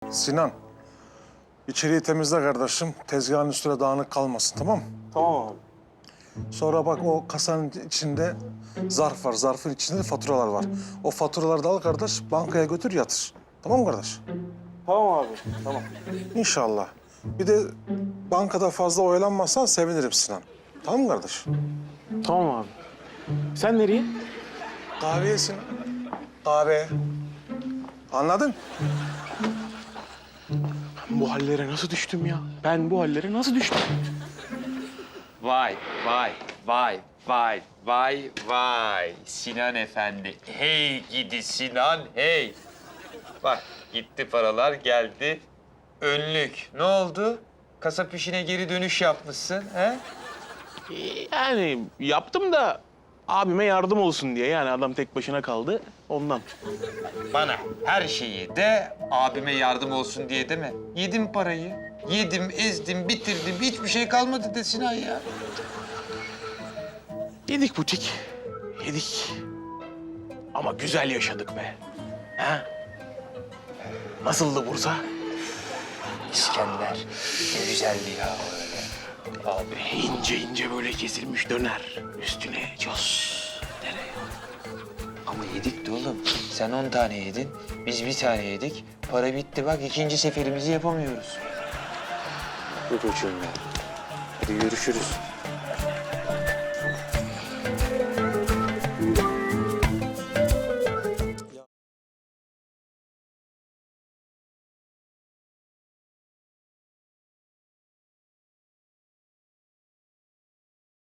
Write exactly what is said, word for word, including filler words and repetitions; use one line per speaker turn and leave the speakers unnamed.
Sinan, içeriği temizle kardeşim. Tezgahın üstüne dağınık kalmasın, tamam mı?
Tamam abi.
Sonra bak o kasanın içinde zarf var. Zarfın içinde de faturalar var. O faturaları da al kardeş, bankaya götür yatır. Tamam mı kardeş?
Tamam abi. Tamam.
İnşallah. Bir de bankada fazla oyalanmazsan sevinirim Sinan. Tamam mı kardeş?
Tamam abi. Sen nereye?
Kahveye Sinan. Kahve. Anladın?
Ben bu hallere nasıl düştüm ya? Ben bu hallere nasıl düştüm?
Vay, vay, vay, vay, vay, vay. Sinan Efendi. Hey gidi Sinan, hey. Bak gitti paralar, geldi. Önlük. Ne oldu? Kasap işine geri dönüş yapmışsın, he?
Yani yaptım da abime yardım olsun diye. Yani adam tek başına kaldı ondan.
Bana her şeyi de abime yardım olsun diye deme. Yedim parayı. Yedim, ezdim, bitirdim. Hiçbir şey kalmadı de Sinan ya.
Yedik butik. Yedik. Ama güzel yaşadık be. Ha? Nasıldı Bursa?
İskender. Ne güzeldi ya öyle.
Abi ince ince böyle kesilmiş döner. Üstüne cos. Tereyağı.
Ama yedik de oğlum. Sen on tane yedin, biz bir tane yedik. Para bitti bak, ikinci seferimizi yapamıyoruz. Dur çocuğum ya. Hadi görüşürüz.